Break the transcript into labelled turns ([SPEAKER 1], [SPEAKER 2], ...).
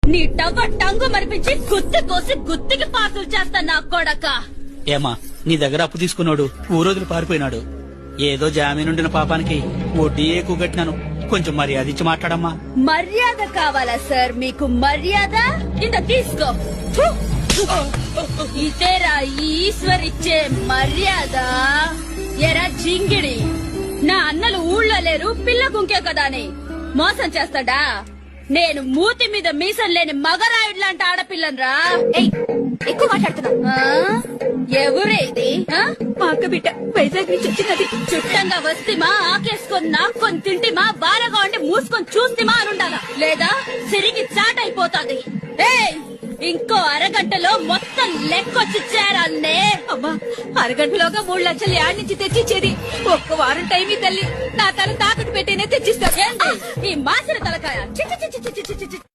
[SPEAKER 1] నీ టవ్వ టంగు మరిపించి గుత్తి కోసి గుత్తికి పాసులు చేస్తా నా కొడక.
[SPEAKER 2] ఏమా నీ దగ్గర అప్పు తీసుకున్నాడు ఊరోజులు పారిపోయినాడు. ఏదో జామీనుండిన పాపానికి వడ్డీ ఎక్కువ కట్టినాను. కొంచెం మర్యాద ఇచ్చి మాట్లాడమ్మా.
[SPEAKER 1] మర్యాద కావాలా సార్ మీకు? మర్యాద ఇంత తీసుకో. ఫు! ఇదేరా ఈశ్వర్ ఇచ్చే మర్యాద. ఎరా జింగిడి, నా అన్నలు ఊళ్ళో లేరు, పిల్ల గుంకే కదా అని మోసం చేస్తాడా? నేను మూతి మీద మీసం లేని మగరాయుడు లాంటి ఆడపిల్లనరా.
[SPEAKER 3] ఎక్కువ మాట్లాడుతున్నా.
[SPEAKER 1] ఎవరే ఇది?
[SPEAKER 3] మా అక్క బిడ్డ వైజాగ్ నుంచి వచ్చినది.
[SPEAKER 1] చుట్టంగా వస్తేమా ఆకేసుకొని నాక్కొని తింటిమా బాలగా ఉండి మూసుకొని చూస్తేమా అని ఉండాలా, లేదా సిరికి చాటైపోతాది. ఇంకో అరగంటలో మొత్తం లెక్కొచ్చి చేరాలనే.
[SPEAKER 3] అమ్మా, అరగంటలోగా 3 లక్షలు యాడ్ నుంచి తెచ్చిచ్చేది. ఒక్క వారం టైం ఈ తల్లి. నా తల తాకట్టు పెట్టేనే తెచ్చిస్తా.
[SPEAKER 1] ఈ మాసిన తలకాయ చి చి చి చి చి చి చి.